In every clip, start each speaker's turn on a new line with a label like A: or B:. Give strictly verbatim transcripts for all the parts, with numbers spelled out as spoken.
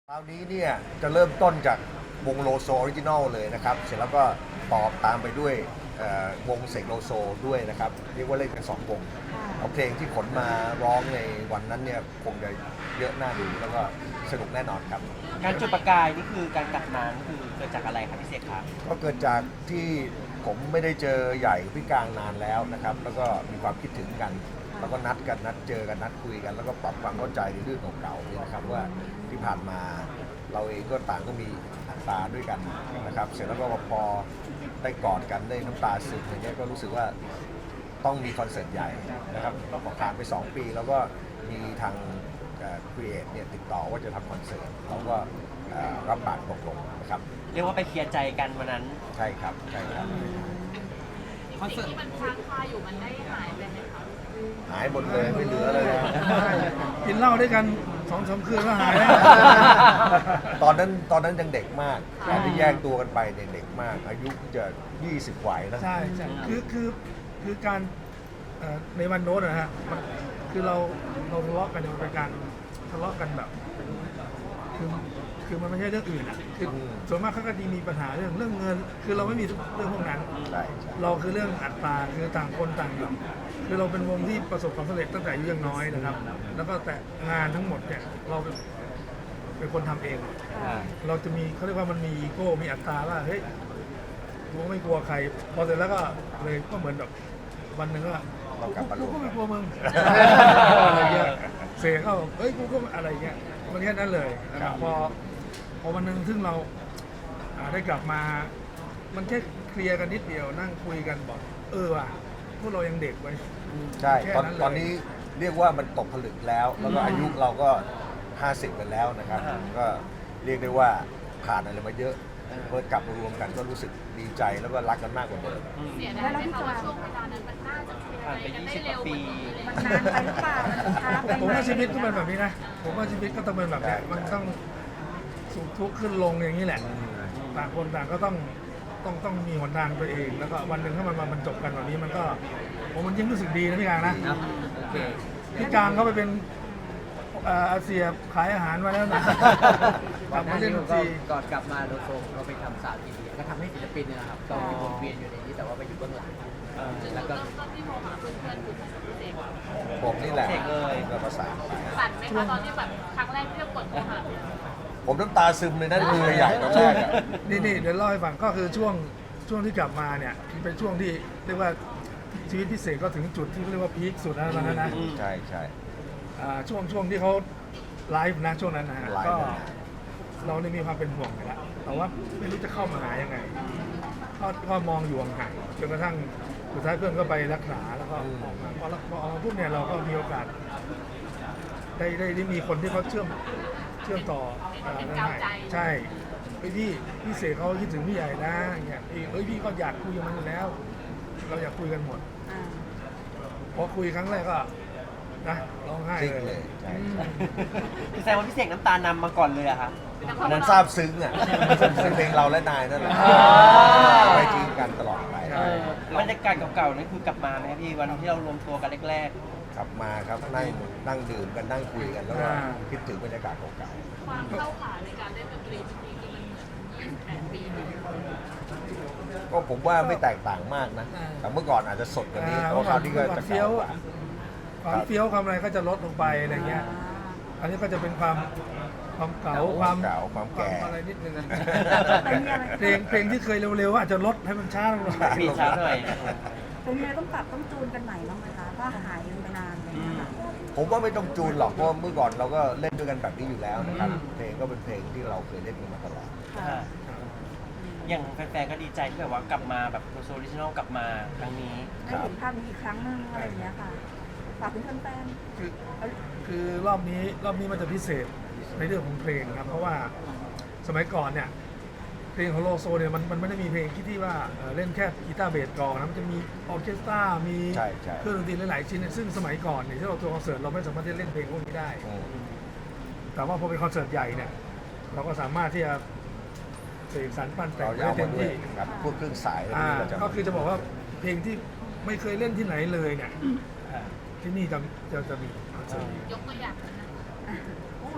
A: คราวนี้เนี่ยจะเริ่มต้นจากวงโลโซออริจินอลเลยนะครับเสร็จแล้วก็ตอบตามไปด้วยวงเสกโลโซด้วยนะครับเรียกว่าเล่นกันสองวงเอาเพลงที่ขนมาร้องในวันนั้นเนี่ยคงจะเยอะน่าดูแล้วก็สนุกแน่นอนครับ
B: การจุดประกายนี่คือการกลับมานี่คือเกิดจากอะไรครับพี่เสกครับ
A: ก็เกิดจากที่ผมไม่ได้เจอใหญ่พี่กลางนานแล้วนะครับแล้วก็มีความคิดถึงกันแล้วก็นัดกันนัดเจอกันนัดคุยกันแล้วก็ปรับความเข้าใจในเรื่องเก่าๆนี่นะครับว่าที่ผ่านมาเราเองก็ต่างก็มีอัตราด้วยกันนะครับเสร็จแล้วก็พอได้กอดกันได้น้ำตาซึมอย่างเงี้ยก็รู้สึกว่าต้องมีคอนเสิร์ตใหญ่นะครับพอผ่านไปสองปีแล้วก็มีทางครีเอทเนี่ยติดต่อว่าจะทำคอนเสิร์ตเราก็รับปากตกลงนะครับ
B: เรียกว่าไปเคลียร์ใจกันวันนั้น
A: ใช่ครับใช่ครับ
C: คอนเสิร์ตที่มันค้างคาอยู่มันได้หายไปไหมคะ
A: หายหมดเลยไม่เหลือเลย
D: กินเหล้าด้วยกันสองสามคืนก็หายแล้ว
A: ตอนนั้นตอนนั้นยังเด็กมากตอนที่แยกตัวกันไปเด็กมากอายุจะยี่สิบกว่านะ
D: ใช่ใช่คือคือคือการในวันโน้นนะฮะมันคือเราเราทะเลาะกันมันเป็นการทะเลาะกันแบบคือคือมันไม่ใช่เรื่องอื่นอ่ะคือส่วนมากเขาก็ดีมีปัญหาเรื่องเรื่องเงินคือเราไม่มีเรื่องพวกนั้นเราคือเรื่องอัตราคือต่างคนต่างอยู่คือเราเป็นวงที่ประสบความสำเร็จตั้งแต่อายุยังน้อยนะครับแล้วก็แต่งานทั้งหมดเนี่ยเราเป็นคนทำเองเราจะมีเขาเรียกว่ามันมีอีโก้มีอัตราว่าเฮ้ยกูไม่กลัวใครพอเสร็จแล้วก็เลยก็เหมือนแบบวันหนึ่งก็กูก็ไม่กลัวมึงอะไรเงี้ยเสียเข้าเฮ้ยกูก็อะไรเงี้ยมันแค่นั้นเลยนะครับพอพอวันหนึ่งซึ่งเราได้กลับมามันแค่เคลียร์กันนิดเดียวนั่งคุยกันบอกเออว่ะพวกเรายังเด็กไว้
A: ใช่ตอนตอนนี้เรียกว่ามันตกผลึกแล้วแล้วก็อายุเราก็ห้าสิบกันแล้วนะครับก็เรียกได้ว่าผ่านอะไรมาเยอะเมื่อกลับมารวมกันก็รู้สึกดีใจแล้วก็รักกันมากกว่าเดิม
C: เสียดายไหมคะว่าช่วงเวลานั้นมันน่าจะผ่านไปยี่สิบปี
E: มันนานไปหรือเปล่ามันช้าไป
D: ผมว่าชีวิตก็เป็นแบบนี้นะผมว่าชีวิตก็ต้องเป็นแบบนี้มันต้องสุขทุกข์ขึ้นลงอย่างนี้แหละต่างคนต่างก็ต้องต้องต้องมีหนทางตัวเองแล้วก็วันหนึ่งถ้ามันมามันจบกันแบบนี้มันก็ผมมันยิ่งรู้สึกดีนะพี่กลางนะพี่กลางเขาไปเป็นอาเซียขายอาหารมาแล้วนะ
F: กลับมาเล่นดนตรีก่อนกลับมาโลโซเราไปทำสาวอินเดียก็ทำให้ศิลปินนะครับก็มีวนเวียนอยู่ในนี้แต่ว่าไปอยู่เบื้องหลัง
C: แล้วก็ที่โมหาเพื่อนๆคือเด็ก
A: ผมนี่แหละเลยก็ภาษา
C: สั่นไหมคะตอนที่แบบครั้งแรกที่เรากดโมหา
A: ผมน้ำตาซึมเลยนั่นมือใหญ่ตอนแรก
D: นี่นี่เดี๋ยวเล่าให้ฟังก็คือช่วงช่วงที่กลับมาเนี่ยเป็นช่วงที่เรียกว่าชีวิตพิเศษก็ถึงจุดที่เรียกว่าพีคสุดแล้วนะนะ
A: ใช่ใช่
D: ช่วงช่วงที่เขาไลฟ์นะช่วงนั้นนะฮะก็เราได้มีความเป็นห่วงไปแล้วแต่ว่าไม่รู้จะเข้ามาหายังไงก็ก็มองอยู่ห่างจนกระทั่งสุดท้ายเพื่อนก็ไปรักษาแล้วก็ออกมาพอพอออกมาปุ๊บเนี่ยเราก็มีโอกาสได้ได้ได้มีคนที่เขาเชื่อมเชื่อมต่อใช่พี่พี่พี่เสกเขาคิดถึงพี่ใหญ่นะเนี่ยเอ้ยพี่ก็อยากคุยกับมันอยู่แล้วเราอยากคุยกันหมดพอคุยครั้งแรกก็นะร้องไห้เลย
B: คือแสดงว่าพี่เสกน้ำตานำมาก่อนเลยอะครับ
A: นั้นซาบซึ้งอ่ะซึ้งเพลงเราและนายนั่นแหละไปจริงกันตลอดไป
B: บรรยากาศเก่าๆนั่นคือกลับมาไหมพี่วันที่เรารวมตัวกันแรก
A: ๆกลับมาครับนั่งนั่งดื่มกันนั่งคุยกันแล้วก็คิดถึงบรรยากาศเก่า
C: ๆความเข้าขาในการเล่นดนตรีจริงๆคือมันเหมือนยี่สิบแปดปี
A: ก็ผมว่าไม่แตกต่างมากนะแต่เมื่อก่อนอาจจะสดกว่านี้เพราะคราวนี้ก็จะเก่ากว่า
D: ความเฟี้ยวความอะไรก็จะลดลงไปอะไรเงี้ย อันนี้ก็จะเป็นความความเก่าความ
A: เก่าความแก่
D: อะไรนิดนึงเพลงเพลงที่เคยเร็วๆอาจจะลดให้มันช้าลงหน่อย
B: มีช้าหน่อย
E: เป็นไงต้องปรับต้องจูนกันใหม่บ้างไหมคะถ้าหายไปนานเลยนะคะ
A: ผมว่าไม่ต้องจูนหรอกเพราะเมื่อก่อนเราก็เล่นด้วยกันแบบนี้อยู่แล้วนะครับเพลงก็เป็นเพลงที่เราเคยเล่นกันมาตลอด
B: อย่างแฟนๆก็ดีใจที่แบบว่ากลับมาแบบโซลิจินอลกลับมาครั้งนี้
E: ได้เห็นภาพนี้อีกครั้งนึงอะไรอย่างเงี้ยค่ะฝากถึงแฟน
D: ๆคือคือรอบนี้รอบนี้มันจะพิเศษในเรื่องของเพลงครับเพราะว่าสมัยก่อนเนี่ยเพลงของโลโซเนี่ยมันมันไม่ได้มีเพลงที่ที่ว่าเล่นแค่กีตาร์เบสกลองนะมันจะมีออร์เคสตรามีเครื่องดนตรีหลายๆชิ้นซึ่งสมัยก่อนเนี่ยที่เราตัวคอนเสิร์ตเราไม่สามารถที่จะเล่นเพลงพวกนี้ได้แต่ว่าพอเป็นคอนเสิร์ตใหญ่เนี่ยเราก็สามารถที่จะเสกสรรปั้นแต่งได้เต็มที่
A: พวกเครื่องสาย
D: ก็คือจะบอกว่าเพลงที่ไม่เคยเล่นที่ไหนเลยเนี่ยที่นี่จะจะจะมีคอนเสิร์ต
C: ยกตัวอย่าง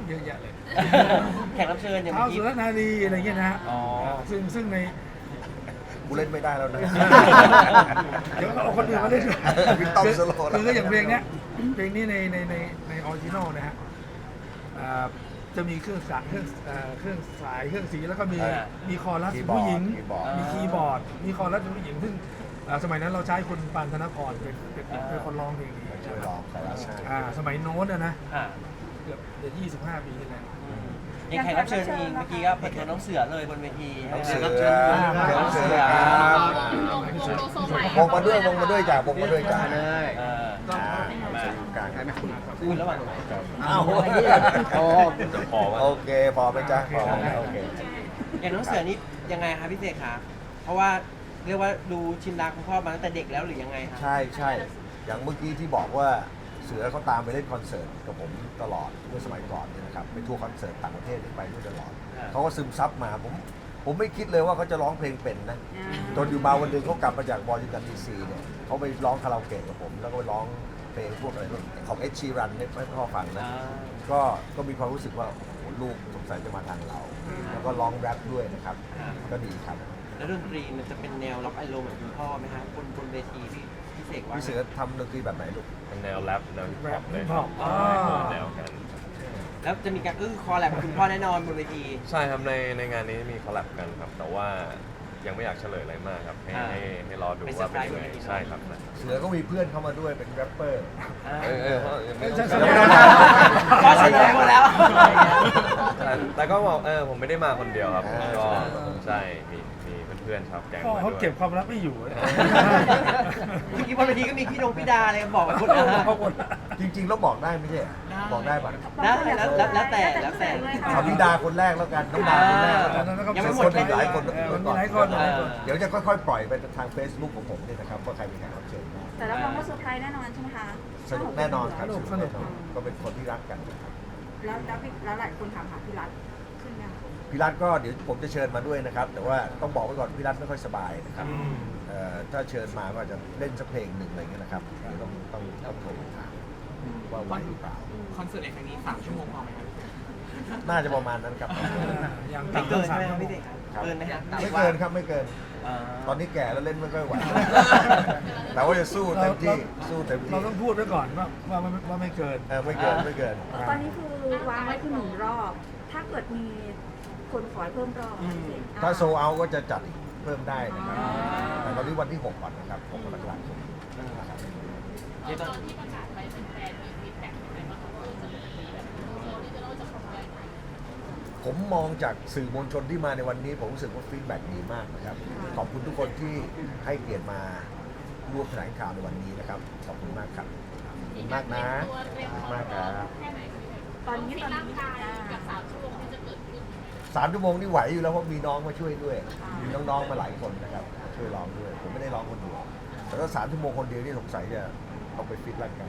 D: เยอะแยะเลย
B: แขกรับเชิญอย่าง
D: เท้า
B: เมื่อกี้
D: สุรนารีอะไรเงี้ยนะฮะ
B: อ๋อ
D: ซึ่งซึ่งใน
A: กูเล่นไม่ได้แล้วนะ
D: เดี๋ยวเอาคนอื่นมาเล่นด้วย
A: พี่ต้อมสโลว์
D: คือคืออย่างเพลงเนี้ยเพลงนี้ในในในในออริจินอลนะฮะอ่าจะมีเครื่องสายเครื่องเอ่อเครื่องสายเครื่องสีแล้วก็มี
B: อ่า
D: มีคอรัส
A: คีย์บอร์ด
D: ผู้หญิง
A: คีย์บอร์ด
D: มีคีย์บอร์ด มีคอรัสผู้หญิงซึ่งอ่าสมัยนั้นเราใช้คุณปานธนพรเป็นเป็นเป็นเป็นคนร้องเพลงนี้
A: ช่วยร้องคอรัสให้
D: อ่าสมัยโน้นอะนะ
B: อ่า
D: เกือบเดี๋ยวยี่สิบห้าปีที่แล้ว
B: อย่างแขกรับเชิญเองเมื่อกี้ก็เปิดตัวน้องเสือเลยบนเวที
A: น้องเสือ
B: แขกรับเชิญ
A: น้องเสือครับ
C: โลโซใหม่
A: วงมาด้วยวงมาด้วยจ้ะวงมาด้วยจ้ะ
F: เลย
B: เออ
A: อ่ามาอยู่กลางกัน
B: คุณระหว่าง
A: อ้าว
F: โอ้
A: โอเคพอไหมจ๊ะพอไหมโอเค
B: อย่างน้องเสือนี่ยังไงคะพี่เสกคะเพราะว่าเรียกว่าดูชินดาคุณพ่อมาตั้งแต่เด็กแล้วหรือยังไงคะ
A: ใช่ใช่อย่างเมื่อกี้ที่บอกว่าเสือเขาตามไปเล่นคอนเสิร์ตกับผมตลอดเมื่อสมัยก่อนเนี่ยนะครับไปทัวร์คอนเสิร์ตต่างประเทศนี่ไปด้วยตลอดเขาก็ซึมซับมาผมผมไม่คิดเลยว่าเขาจะร้องเพลงเป็นนะจนอยู่มาวันหนึงเขากลับมาจากวอชิงตันดีซีเนี่ยเขาไปร้องคาราโอเกะกับผม แล้วก็ไปร้องเพลงพวกอะไรของเอชชีรันไม่ไม่พ่อฟังนะ
B: อ่า
A: ก็ก็มีความรู้สึกว่าโอ้โหลูกสงสัยจะมาทางเรา แล้วก็ร้องแรปด้วยนะครับ ก็ดีครับ
B: แล้วดนตรีมันจะเป็นแนวล็อกไอโรเหมือนคุณพ่อไหมคะบนบนเวทีพี่พี่เสกว่า
A: พี่เสือทำดนตรีแบบไหนลูก
G: เป็นแนวแรปแนวฮิปฮอปเลย
D: แรปฮิปฮอป
G: ใช่
D: อ๋อ
G: แนวกัน
B: แล้วจะมีการอื้อคอแลบกับคุณพ่อแน่นอนบนเวที
G: ใช่ครับในในงานนี้มีคอลแลบกันครับ แต่ว่ายังไม่อยากเฉลยอะไรมากครับ ให้
B: อ่า
G: ให้ให้รอดูว่าเป็นยังไงใช่ครับ
A: เสือก็มีเพื่อนเข้ามาด้วยเป็นแรปเปอร์
G: เออเออไม่ต้อง
D: ใช่
G: เฉ
D: ใช่
G: ลย
B: พ่อเฉลยหมดแล้ว
G: แต่แต่ก็บอกเออผมไม่ได้มาคนเดียวครับ
A: อ่า
G: ก็ใช่มีมีเพื่อนๆชาวแก๊ง
D: พ่อ
G: มา
D: เขา
G: ด้วย
D: เก็บความลับไม่อยู่
B: เมื่อกี้บนเวทีก็มีพี่ดงพี่ดาอะไรบอกไปหมดแล้ว
D: เขาหมด
A: จริงๆแล้วบอกได้ไม่ใช่เหรอบอกได้ป่ะ
B: ได้แล้วแล้วแล้วแต่แล้วแต่
A: เอาพี่ดาคนแรกแล้วกันน้องดาคนแรกแล้วกัน
B: ยังไม่หมด
A: คนอีกหลายคน
D: เออมันมีหลายคนหลายคน
A: เดี๋ยวจะค่อยๆ ปล่อยไปทาง Facebook ของผมเนี่ยนะครับว่าใครเป็นแขกรับเชิญบ้าง
E: แต่รับรองว่าเซอร์ไพรส์แน่นอนใช่ไหมคะ
A: สนุกแน่นอนครับ
D: สนุก
A: สนุก
D: สนุก
A: แน่นอนก็เป็นคนที่รักกันนะครับ
E: แล้วแล้วพี่แล้วหลายคนถามหาพี่รัฐขึ้นยัง
A: พี่รัฐก็เดี๋ยวผมจะเชิญมาด้วยนะครับ แต่ว่าต้องบอกไว้ก่อนพี่รัฐไม่ค่อยสบายนะครับเอ่อถ้าเชิญมาก็อาจจะเล่นสักเพลงหนึ่งอะไรเงี้ยนะครับเดี๋ยวต้องต้องต้องโทรไปถามว่าไหวหรือเปล่า
H: คอนเสิร์ตในครั้งนี้สามชั่วโมงพอไหมครับ
A: น่าจะประมาณนั้นครับ
D: อย่าง
B: ไม่
D: ต่ำ
B: เกิน
D: สา
B: ใช่
D: ม
B: ไหม
D: ชั่ว
B: ครับ
D: โม
B: พี่
D: ง
B: เสกเกินไหมครับ
A: ไม่เกินครับไม่เกิน
B: อ่า
A: ตอนนี้แก่แล้วเล่นไม่ค่อยไหว แต่ว่าจะสู้เต็มที่สู้เต็มที่
D: เราต้องพูดไว้ก่อนว่าว่าว่าว่าไม่เกิน
A: เออไม่เกินไม่เกิน
E: ตอนนี้คือวางไว้คือหนึ่งรอบ ถ้าเกิดมีคนขอให้เพิ่มรอบ
A: ถ้าโซเอาก็จะจัดอีกเพิ่มได้นะครับแต่ตอนนี้วันที่หกก่อนนะครับหกกรกฎาคมนะครับ
B: เดี๋ยว
C: ต
B: ต้
C: อ
B: อง
C: นที่ประกาศไปเป็นแฟนมีฟีดแบ็กยังไงบ้างคะว่าจะมีแบบโชว์ที่จะเราจะทำอะไร
A: ผมมองจากสื่อมวลชนที่มาในวันนี้ผมรู้สึกว่าฟีดแบ็กดีมากนะครับ ขอบคุณทุกคนที่ให้เกียรติมาร่วมแถลงข่าวในวันนี้นะครับ ขอบคุณมากครับขอบคุณมากนะขอบคุณมากครับ
C: แค่ไหนพี่เสก
E: ตอนนี้
C: ฟิ
E: ต
C: ต
E: อน
C: ร่าง
E: นี้
C: กายกับสามชั่วโมงที่จะเกิดขึ้น
A: สามชั่วโมงนี่ไหวอยู่แล้วเพราะมีน้องมาช่วยด้วย มีน้องๆมาหลายคนนะครับช่วยร้องด้วย ผมไม่ได้ร้องคนเดียวแต่ถ้าสามชั่วโมงคนเดียวนี่สงสัยจะต้องไปฟิตร่างกาย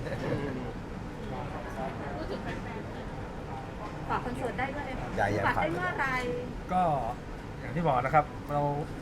C: พูดถึงแฟน
E: ฝากคอนเสิร์ตได้ด้วย
A: ใหญ่ๆ
E: ฝาก
A: ฝาก
E: ได้เมื่อไหร
D: ก็อย่างที่บอกนะครับ เรา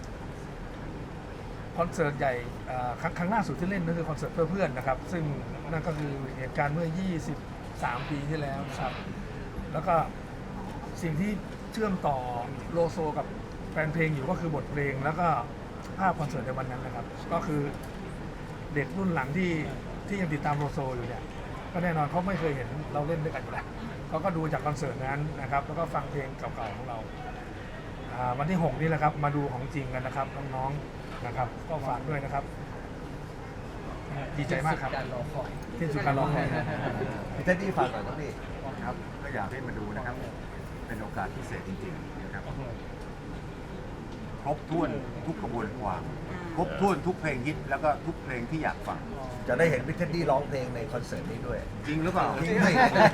D: คอนเสิร์ตใหญ่เอ่อครั้งครั้งล่าสุดที่เล่นก็คือคอนเสิร์ตเพื่อเพื่อนนะครับ ซึ่งนั่นก็คือเหตุการณ์เมื่อ ยี่สิบสาม ปีที่แล้วนะครับ แล้วก็สิ่งที่เชื่อมต่อโลโซกับแฟนเพลงอยู่ก็คือบทเพลง แล้วก็ภาพคอนเสิร์ตในวันนั้นนะครับ ก็คือเด็กรุ่นหลังที่ที่ยังติดตามโลโซอยู่เนี่ย ก็แน่นอนเขาไม่เคยเห็นเราเล่นด้วยกันอยู่แล้วเขาก็ดูจากคอนเสิร์ตนั้นนะครับ แล้วก็ฟังเพลงเก่าๆของเราอ่าวันที่หกนี่แหละครับ มาดูของจริงกันนะครับน้องๆนะครับ ก็ฝากด้วยนะครับ ดีใจมากครับ
F: การรอคอย
D: ที่สุดการรอคอยครับ
A: พี่เท็ดดี้ฝากหน่อยครับพี่
I: ครับก็อยากให้มาดูนะครับ เป็นโอกาสพิเศษจริงๆนะครับครบถ้วนทุกกระบวนความครบถ้วนทุกเพลงฮิตแล้วก็ทุกเพลงที่อยากฟัง
A: จะได้เห็นพี่เท็ดดี้ร้องเพลงในคอนเสิร์ตนี้ด้วย
I: จริงหรือเปล่า
A: จริงไหม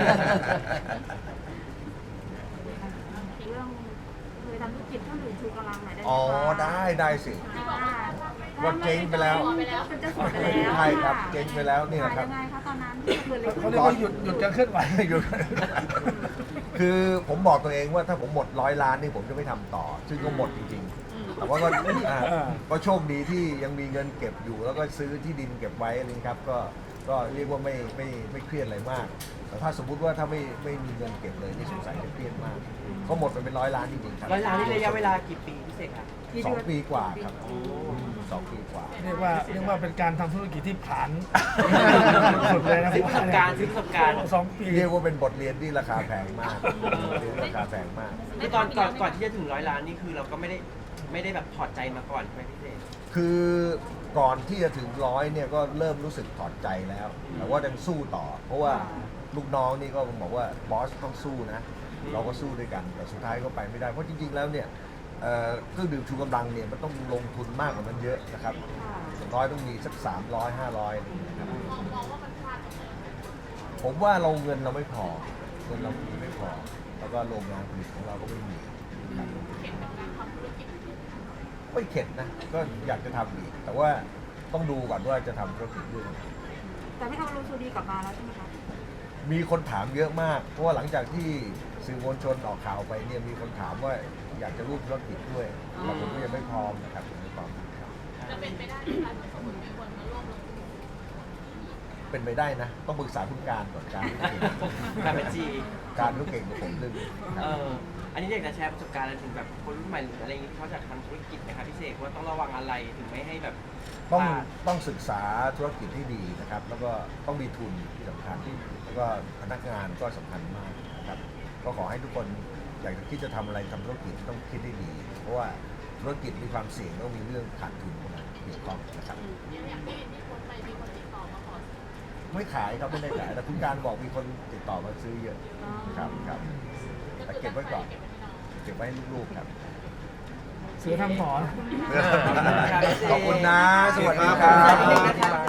E: อีกเรื่องเคยทำธุรกิจเครื่องดื่มชูกำลังหน่อยได้ไหม
A: อ๋อ
E: คะ
A: ได้ได้สิ
E: อ่า
A: ว่าเจ๊งไปแล้ว
E: มันจะสดไปแล้ว
A: ใช่ครับเจ๊งไปแล้วนี่แหละครับ
E: ยังไงคะตอนนั้นที่เกิดอะไรขึ้
D: เขา
E: น
D: เรียกว่าหยุดหยุดการเคลื่อนไหว
A: หยุดคือผมบอกตัวเองว่าถ้าผมหมดร้อยล้านนี่ผมจะไม่ทำต่อ ซึ่งก็หมดจริงๆ แต่ว่าก็อ่าก็โชคดีที่ยังมีเงินเก็บอยู่ แล้วก็ซื้อที่ดินเก็บไว้อะไรนะครับ ก็ก็เรียกว่าไม่ไม่ไม่เครียดอะไรมาก แต่ถ้าสมมุติว่าถ้าไม่ไม่มีเงินเก็บเลยนี่สงสัยจะเครียดมากก็หมดไปเป็นร้อยล้านจริงๆครับ
B: ร้อยล้านนี่ระยะเวลากี่ปีพี่เสกครับ
A: สองปีกว่าครับสองปีกว่า
D: เรียกว่าเรียกว่าเป็นการทำธุรกิจที่ผ่านสุดเลยนะ
B: ซื้อประสบการณ์ซื้อประสบการณ์
D: สองปี
A: เรียกว่าเป็นบทเรียนที่ราคาแพงมากเรียนราคาแพงมาก
B: คือตอนก่อนก่อนที่จะถึงร้อยล้านนี่คือเราก็ไม่ได้ไม่ได้แบบถอดใจมาก่อนใช่ไหมพี่เสก
A: คือก่อนที่จะถึงร้อยเนี่ยก็เริ่มรู้สึกถอดใจแล้ว แต่ว่ายังสู้ต่อ เพราะว่าลูกน้องนี่ก็บอกว่าบอสต้องสู้นะ เราก็สู้ด้วยกัน แต่สุดท้ายก็ไปไม่ได้ เพราะจริงๆแล้วเนี่ยเอ่อเครื่องดื่มชูกำลังเนี่ยมันต้องลงทุนมากกว่านั้นเยอะนะครับอย่างน้อยต้องมีสักสามร้อยห้าร้อยนะครับ
C: มองมองว่ามันพลาดตรงไหน
A: ผมว่าเราเงินเราไม่พอเงินเรามีไม่พอ แล้วก็โรงงานผลิตของเราก็ไม่มีครับ
C: เห็นกับการทำธุรกิจ
A: ไม่เข็ดนะ ก็อยากจะทำอีก แต่ว่าต้องดูก่อนว่าจะทำธุรกิจด้วย
E: แต่ไม่เอาโรซูดีกลับมาแล้วใช่ไหมคะ
A: มีคนถามเยอะมาก เพราะว่าหลังจากที่สื่อมวลชนออกข่าวไปเนี่ยมีคนถามว่าอยากจะร่วมธุรกิจด้วยแต่ผมก็ยังไม่พร้อมนะครับยังไม่พร้อมครับ
C: จะเป็นไปได้ไหมคะถ้าสมมติมีคนมาร่วมลงทุน
A: เป็นไปได้นะ ต้องปรึกษาคุณการก่อนการ
B: การเป็นจี
A: การเขาเก่งกว่าผมเรื่องนี้ครับ
B: เอออันนี้อยากจะแชร์ประสบการณ์อะไรถึงแบบคนรุ่นใหม่หรืออะไรอย่างนี้ที่เขาจะทำธุรกิจนะครับพี่เสกว่าต้องระวังอะไรถึงไม่ให้แบบ
A: ต้อง
B: พลาด
A: ต้องศึกษาธุรกิจที่ดีนะครับ แล้วก็ต้องมีทุนที่สำคัญแล้วก็พนักงานก็สำคัญมากนะครับ ก็ขอให้ทุกคนอยากจะคิดจะทำอะไรทำธุรกิจต้องคิดให้ดี เพราะว่าธุรกิจมีความเสี่ยงต้องมีเรื่องขาดทุนเข้ามาเกี่ยวข้องนะครับ
C: อย่างที่ที่คนไปมีคนติดต่อมาขอซื้อ
A: ไม่ขายครับไม่ได้ขายแต่คุณการบอกมีคนติดต่อมาซื้อเยอะครับครับแต่เก็บไว้ก่อนเก็บไว้ให้ลูกๆครับ
D: เสือทำหมอน
A: ขอบคุณนะ สวัสดีครับ